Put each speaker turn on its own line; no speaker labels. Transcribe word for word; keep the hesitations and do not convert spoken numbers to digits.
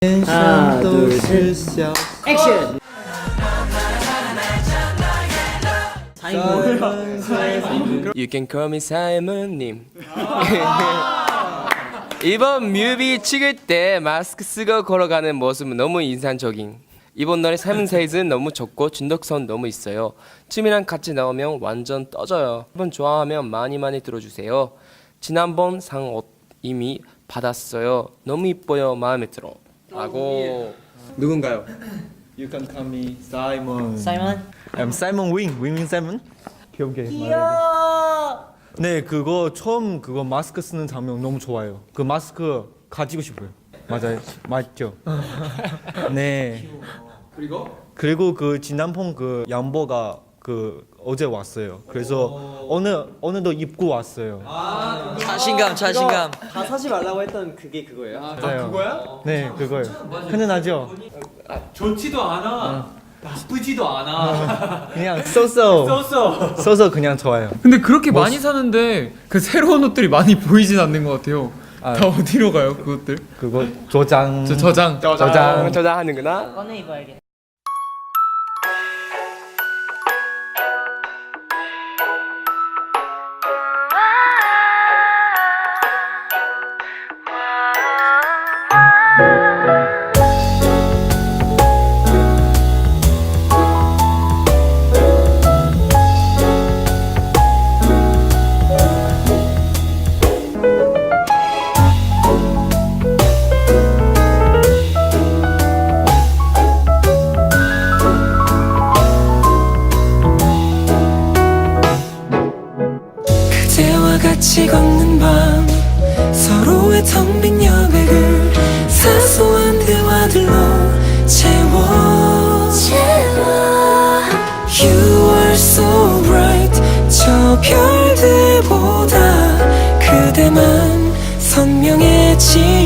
하나 둘셋 액션.
You can call me 사이먼님. 이번 뮤비 찍을 때 마스크 쓰고 걸어가는 모습은 너무 인상적인. 이번 노래 사이먼 사이즈는 너무 좋고 중독성 너무 있어요. 춤이랑 같이 나오면 완전 떠져요. 이번 좋아하면 많이 많이 들어주세요. 지난번 상 이미 받았어요. 너무 이뻐요. 마음에 들어. 라고. 누군가요?
You can call me Simon.
사이먼?
I'm Simon Wing. Wing Wing Simon. 귀엽게.
귀여워.
네, 그거 처음 그거 마스크 쓰는 장면 너무 좋아요. 그 마스크 가지고 싶어요. 맞아요, 맞죠? 네.
그리고?
그리고 그 진남봉 그 양보가 그 어제 왔어요. 그래서 오늘 오늘도 입고 왔어요.
자신감, 자신감.
다 사지 말라고 했던 그게 그거예요?
아, 그거야? 네, 그거요. 흔은하죠?
좋지도 않아. 나쁘지도 않아.
그냥 써서
썼어.
써서 그냥 좋아요.
근데 그렇게 많이 사는데 그 새로운 옷들이 많이 보이진 않는 것 같아요.
아.
다 어디로 가요, 그것들?
그거 조장.
저 저장.
저장.
저장하는구나.
꺼내 입어야겠다.
그대와 같이 걷는 밤 서로의 텅 빈 여백을 사소한 대화들로 채워, 채워. You are so bright. 저 별들보다 그대만 선명해지